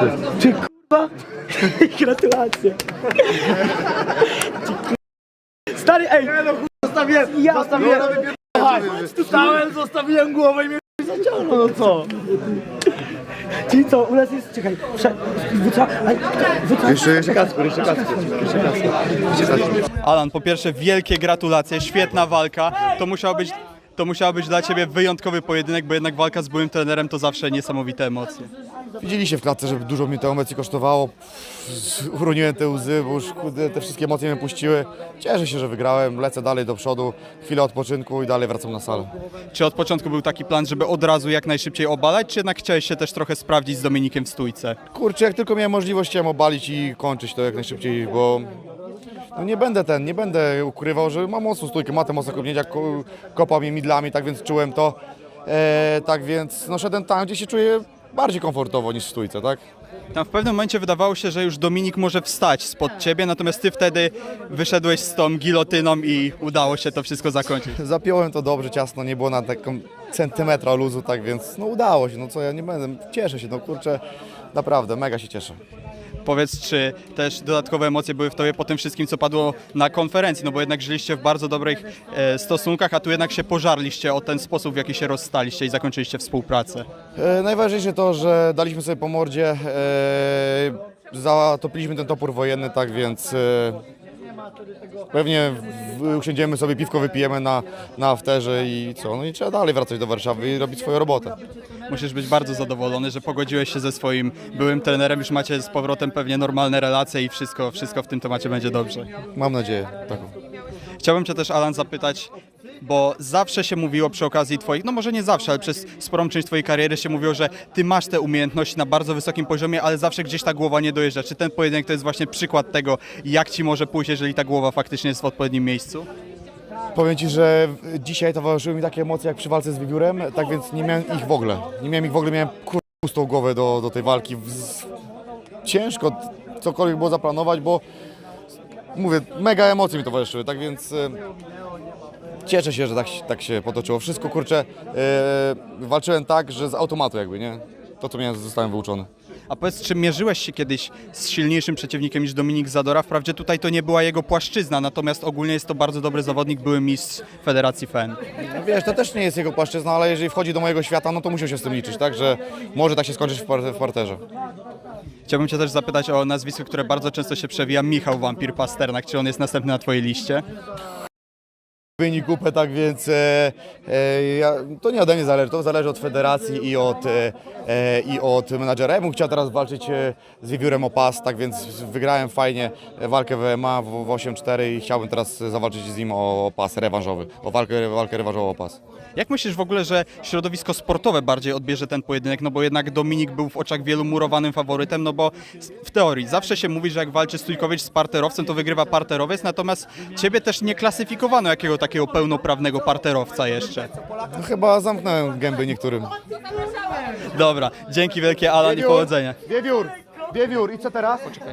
Ty kurwa! Gratulacje! Stary, ej! Zostawiłem! Ja zostawiłem głowę i mnie zaciągnął, no co? Czyli co, u nas jest, czekaj, Jeszcze Kacper. Alan, po pierwsze wielkie gratulacje, świetna walka. To musiał być dla Ciebie wyjątkowy pojedynek, bo jednak walka z byłym trenerem to zawsze niesamowite emocje. Widzieliście w klatce, że dużo mi te emocji kosztowało. Uroniłem te łzy, bo już te wszystkie emocje mnie puściły. Cieszę się, że wygrałem, lecę dalej do przodu, chwilę odpoczynku i dalej wracam na salę. Czy od początku był taki plan, żeby od razu jak najszybciej obalać, czy jednak chciałeś się też trochę sprawdzić z Dominikiem w stójce? Kurczę, jak tylko miałem możliwość, chciałem obalić i kończyć to jak najszybciej, bo no nie będę ukrywał, że mam mocną stójkę, ma te mocne kopnięcia, kopał mnie midlami, tak więc czułem to. Tak więc no, szedłem tam, gdzie się czuję bardziej komfortowo niż w stójce, tak? Tam w pewnym momencie wydawało się, że już Dominik może wstać spod Ciebie, natomiast Ty wtedy wyszedłeś z tą gilotyną i udało się to wszystko zakończyć. Zapiąłem to dobrze, ciasno, nie było na taką centymetra luzu, tak więc no udało się, no co ja nie będę, cieszę się, no kurczę, naprawdę, mega się cieszę. Powiedz, czy też dodatkowe emocje były w Tobie po tym wszystkim, co padło na konferencji, no bo jednak żyliście w bardzo dobrych stosunkach, a tu jednak się pożarliście o ten sposób, w jaki się rozstaliście i zakończyliście współpracę. Najważniejsze to, że daliśmy sobie po mordzie, zatopiliśmy ten topór wojenny, tak więc pewnie usiądziemy sobie, piwko wypijemy na afterze i co, no i trzeba dalej wracać do Warszawy i robić swoją robotę. Musisz być bardzo zadowolony, że pogodziłeś się ze swoim byłym trenerem, już macie z powrotem pewnie normalne relacje i wszystko w tym temacie będzie dobrze. Mam nadzieję taką. Chciałbym Cię też, Alan, zapytać, bo zawsze się mówiło przy okazji Twoich, no może nie zawsze, ale przez sporą część Twojej kariery się mówiło, że Ty masz te umiejętności na bardzo wysokim poziomie, ale zawsze gdzieś ta głowa nie dojeżdża. Czy ten pojedynek to jest właśnie przykład tego, jak Ci może pójść, jeżeli ta głowa faktycznie jest w odpowiednim miejscu? Powiem Ci, że dzisiaj towarzyszyły mi takie emocje jak przy walce z wiewiórem, tak więc nie miałem ich w ogóle. Miałem pustą głowę do tej walki. Ciężko cokolwiek było zaplanować, bo mówię, mega emocje mi towarzyszyły, tak więc cieszę się, że tak się potoczyło. Wszystko, kurczę, walczyłem tak, że z automatu jakby, nie? To, co miałem, zostałem wyuczony. A powiedz, czy mierzyłeś się kiedyś z silniejszym przeciwnikiem niż Dominik Zadora? Wprawdzie tutaj to nie była jego płaszczyzna, natomiast ogólnie jest to bardzo dobry zawodnik, były mistrz Federacji FEN. No wiesz, to też nie jest jego płaszczyzna, ale jeżeli wchodzi do mojego świata, no to musiał się z tym liczyć, tak? Że może tak się skończyć w parterze. Chciałbym Cię też zapytać o nazwisko, które bardzo często się przewija, Michał Wampir Pasternak. Czy on jest następny na Twojej liście? Wynik kupę, tak więc to nie ode mnie zależy, to zależy od federacji i od menadżera. Ja bym chciał teraz walczyć z wiewiórem o pas, tak więc wygrałem fajnie walkę w MMA w 8-4 i chciałbym teraz zawalczyć z nim o pas rewanżowy, o walkę rewanżową o pas. Jak myślisz w ogóle, że środowisko sportowe bardziej odbierze ten pojedynek? No bo jednak Dominik był w oczach wielu murowanym faworytem, no bo w teorii zawsze się mówi, że jak walczy Stójkowicz z parterowcem, to wygrywa parterowiec, natomiast Ciebie też nie klasyfikowano jakiego takiego pełnoprawnego parterowca jeszcze. No, chyba zamknąłem gęby niektórym. Dobra, dzięki wielkie, Alan, i powodzenia. Wiewiór, i co teraz? Poczekaj.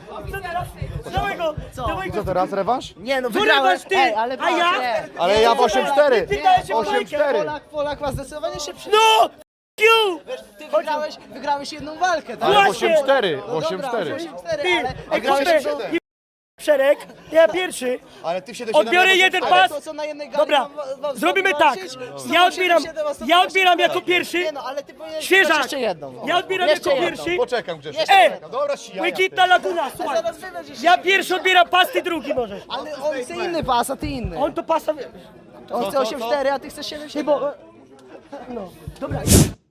I co teraz, rewanż? Nie no, wygrałeś ty! Ej, ale A ja? Ale ja w 8-4. dałeś 8-4. Polak ma zdecydowanie szybszy. No! Wiesz, ty wygrałeś jedną walkę, tak? Ale w Właśnie. 8-4. No w dobra, 8-4. 8-4, Ty! ale Ej, kurde! Szereg, ja pierwszy. Ale ty w 7-7. Odbiorę jeden pas. to co na jednej gali Dobra, zrobimy tak. Ja odbieram jako pierwszy. Nie no, ale ty powinieneś Świeżak. jeszcze jedną. Ja odbieram Jeszcze jako jedną. pierwszy. Poczekam, Grzesiu. Dobra, Błękitna Laguna, słuchaj. Zaraz wybierzesz Ja jeszcze. pierwszy odbieram pas, ty drugi możesz. Ale on chce inny pas, a ty inny. On to pasa... On chce 8-4, a ty chcesz 7-7. Bo... No, dobra.